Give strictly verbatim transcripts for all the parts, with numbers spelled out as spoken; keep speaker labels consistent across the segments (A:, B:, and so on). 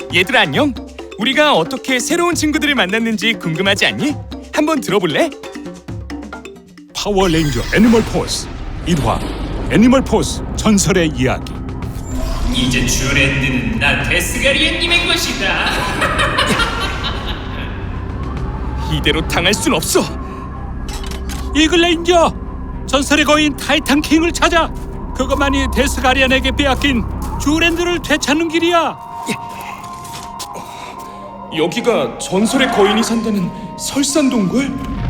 A: 얘들아 안녕. 우리가 어떻게 새로운 친구들을 만났는지 궁금하지 않니? 한번 들어볼래?
B: 파워레인저 애니멀 포스 일 화 애니멀 포스 전설의 이야기.
C: 이제 쥬랜드는 나 데스가리안님의 것이다.
A: 이대로 당할 순 없어.
B: 이글레인저, 전설의 거인 타이탄 킹을 찾아. 그것만이 데스가리안에게 빼앗긴 쥬랜드를 되찾는 길이야.
A: 여기가 전설의 거인이 산다는 설산동굴?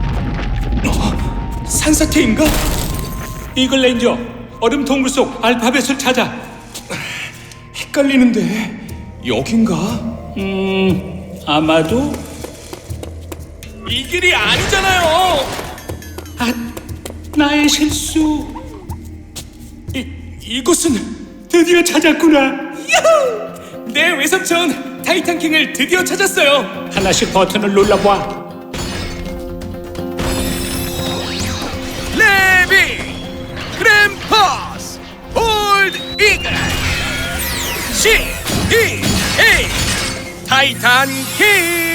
A: 어, 산사태인가?
B: 이글레인저, 얼음 동굴 속 알파벳을 찾아.
A: 헷갈리는데 여긴가?
B: 음, 아마도.
A: 이 길이 아니잖아요.
B: 아, 나의 실수.
A: 이, 이곳은
B: 드디어 찾았구나.
A: 야호! 내 외삼촌 타이탄킹을 드디어 찾았어요.
B: 하나씩 버튼을 눌러봐.
A: 레비 그램퍼스 홀드 이글 시 이 에이 타이탄킹.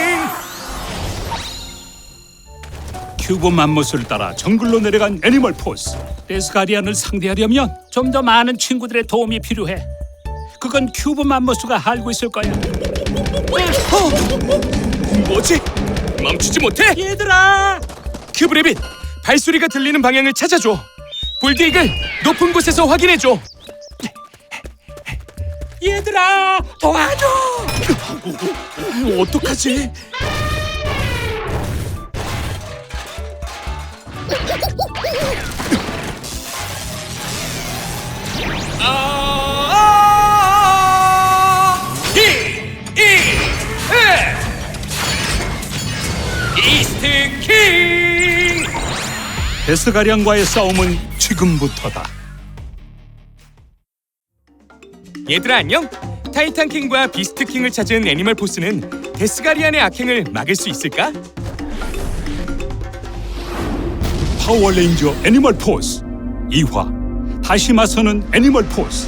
B: 큐브 맘모스를 따라 정글로 내려간 애니멀 포스. 데스가리안을 상대하려면 좀 더 많은 친구들의 도움이 필요해. 그건 큐브 맘모스가 알고 있을 거야.
A: 어, 뭐지? 멈추지 못해?
B: 얘들아!
A: 큐브레빗, 발소리가 들리는 방향을 찾아줘. 볼드이글, 높은 곳에서 확인해줘.
B: 얘들아! 도와줘!
A: 어떡하지? 아! 이, 이, 에! 이스트 킹!
B: 데스가리안과의 싸움은 지금부터다.
A: 얘들아 안녕? 타이탄킹과 비스트킹을 찾은 애니멀 포스는 데스가리안의 악행을 막을 수 있을까?
B: 파워레인저 애니멀 포스 이 화 다시 맞서는 애니멀 포스.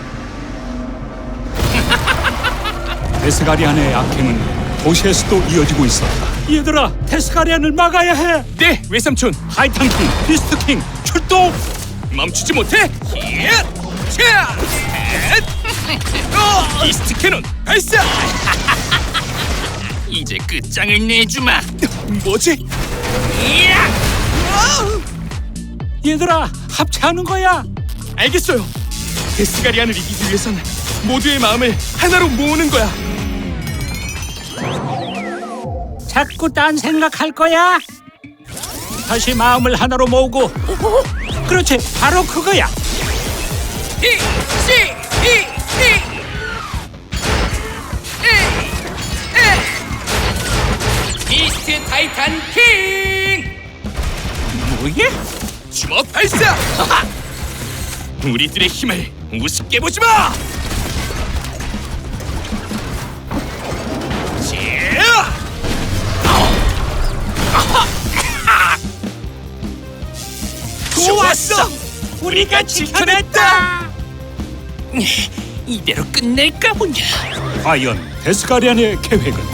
B: 데스가리안의 악행은 도시에서도 이어지고 있었다. 얘들아, 데스가리안을 막아야 해.
A: 네, 외삼촌
B: 타이탄킹, 비스트킹 출동!
A: 멈추지 못해! 히앗! 차! 헷! 어! 이스트 캐논 발사!
C: 이제 끝장을 내주마.
A: 뭐지?
B: 얘들아, 합체하는 거야.
A: 알겠어요. 데스가리안을 이기기 위해선 모두의 마음을 하나로 모으는 거야.
B: 자꾸 딴 생각할 거야. 다시 마음을 하나로 모으고. 그렇지, 바로 그거야.
A: 이, 시, 이, 이. 에, 에. 이스트 타이탄 킹! 뭐야? 주먹 발사! 우리들의 힘을 우습게 보지 마! 좋았어! 우리가 지켜냈다!
C: 이대로 끝낼까 보냐.
B: 과연 데스가리안의 계획은?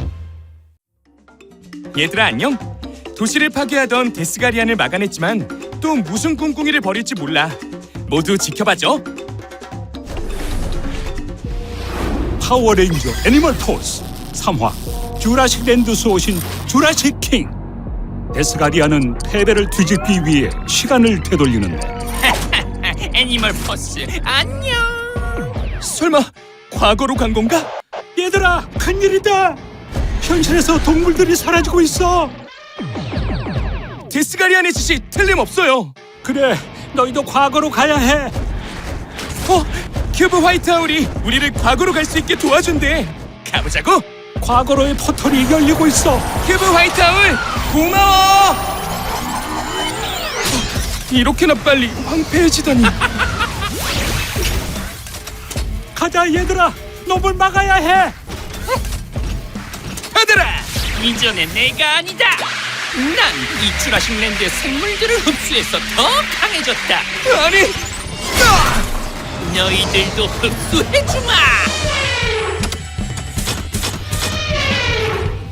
A: 얘들아 안녕? 도시를 파괴하던 데스가리안을 막아냈지만 또 무슨 꿍꿍이를 벌일지 몰라. 모두 지켜봐줘.
B: 파워레인저 애니멀 포스 삼 화 주라식 랜드스 오신 주라식 킹. 데스가리안은 패배를 뒤집기 위해 시간을 되돌리는데
C: 애니멀 포스 안녕.
A: 설마 과거로 간 건가?
B: 얘들아, 큰일이다. 현실에서 동물들이 사라지고 있어.
A: 데스가리안의 짓이 틀림없어요.
B: 그래, 너희도 과거로 가야 해.
A: 어? 큐브 화이트하울이 우리를 과거로 갈 수 있게 도와준대. 가보자고.
B: 과거로의 포털이 열리고 있어.
A: 큐브 화이트하울 고마워. 이렇게나 빨리 황폐해지다니.
B: 가자 얘들아, 놈을 막아야 해.
A: 받아라.
C: 이전에 내가 아니다. 난 이 주라식 랜드의 생물들을 흡수해서 더 강해졌다.
A: 아니. 아!
C: 너희들도 흡수해주마.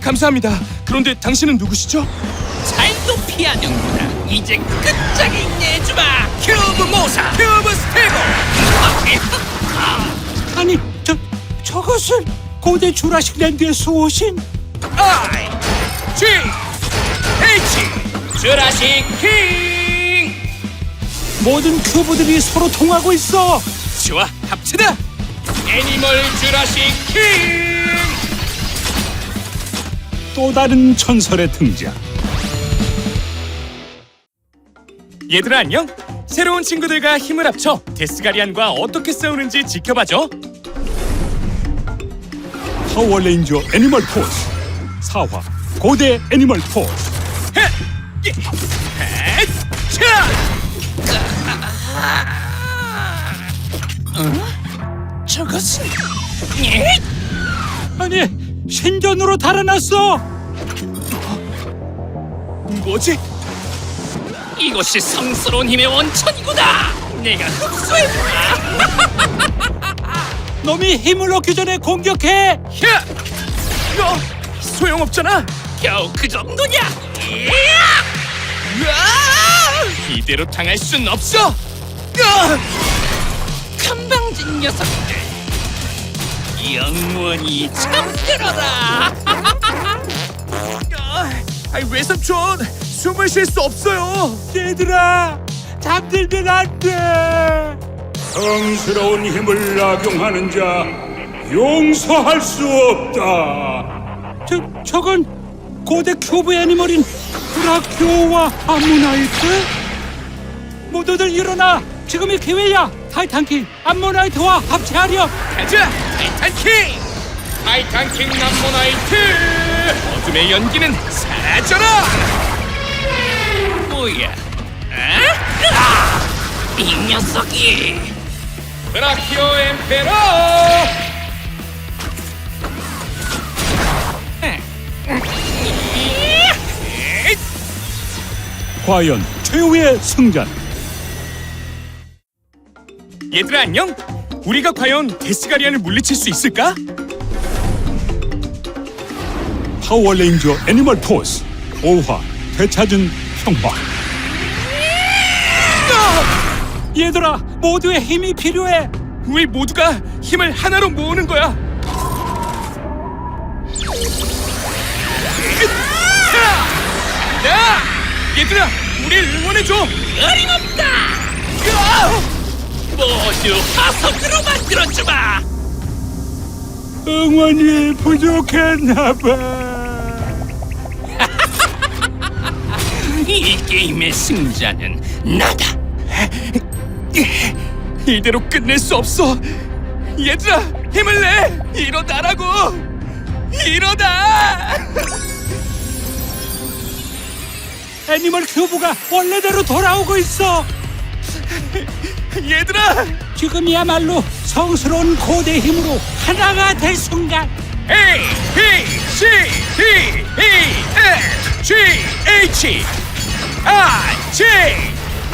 A: 감사합니다. 그런데 당신은 누구시죠?
C: 잘도 피하는구나. 이제 끝장이 내주마. 큐브 모사, 큐브 스테고.
B: 아니, 저 저것은 고대 주라식 랜드에서 오신
C: I G H 주라식 킹.
B: 모든 큐브들이 서로 통하고 있어.
A: 좋아, 합치다.
C: 애니멀 주라식 킹.
B: 또 다른 전설의 등장.
A: 얘들아 안녕. 새로운 친구들과 힘을 합쳐 데스가리안과 어떻게 싸우는지 지켜봐줘.
B: 파워레인저 애니멀 포스 사 화 고대 애니멀 포스.
A: 헤! 예! 헤! 차!
C: 저것은 예?
B: 아니, 신전으로 달아났어.
A: 뭐지?
C: 이것이 성스러운 힘의 원천이구나. 내가 흡수해보라.
B: 놈이 힘을 얻기 전에 공격해.
A: 야! 어, 소용없잖아.
C: 겨우 그 정도냐?
A: 으아! 이대로 당할 순 없어. 으아!
C: 건방진 녀석들. 영원히 잠들어라.
A: 아, 아이, 외삼촌 숨을 쉴 수 없어요.
B: 얘들아, 잠들면 안 돼. 성스러운 힘을 악용하는 자 용서할 수 없다. 저 저건 고대 큐브 애니멀인 브라키오와 암모나이트? 모두들 일어나. 지금이 기회야. 타이탄킹 암모나이트와 합체하렴.
A: 가자, 타이탄킹. 타이탄킹 남모나이트. 어둠의 연기는 사라져라.
C: 뭐야? 아? 아! 이 녀석이.
A: 브라키오 엠페로.
B: 과연 최후의 승자는?
A: 얘들아 안녕. 우리가 과연 데스가리안을 물리칠 수 있을까?
B: 파워레인저 애니멀 포스 오 화 되찾은 평화. 얘들아, 모두의 힘이 필요해.
A: 우리 모두가 힘을 하나로 모으는 거야. 야! 얘들아, 우리 응원해줘.
C: 어림없다. 모두 화석으로 만들어주마.
B: 응원이 부족했나봐.
C: 이 게임의 승자는 나다.
A: 이대로 끝낼 수 없어. 얘들아, 힘을 내. 일어나라고. 일어나.
B: 애니멀 큐브가 원래대로 돌아오고 있어.
A: 얘들아.
B: 지금이야말로 성스러운 고대 힘으로 하나가 될 순간.
A: A, B, C, D, E, F, G, H, I, J.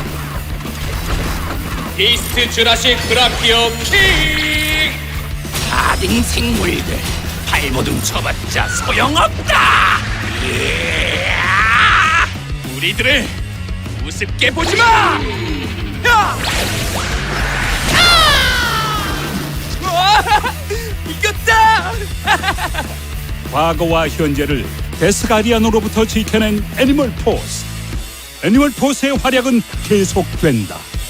A: 이스트 주라식 브라키오 킹.
C: 아등 생물들 발버둥 쳐봤자 소용없다. 이야!
A: 우리들을 우습게 보지 마. 야! 우와! 이겼다.
B: 과거와 현재를 데스가리안으로부터 지켜낸 애니멀 포스. 애니멀 포스의 활약은 계속된다.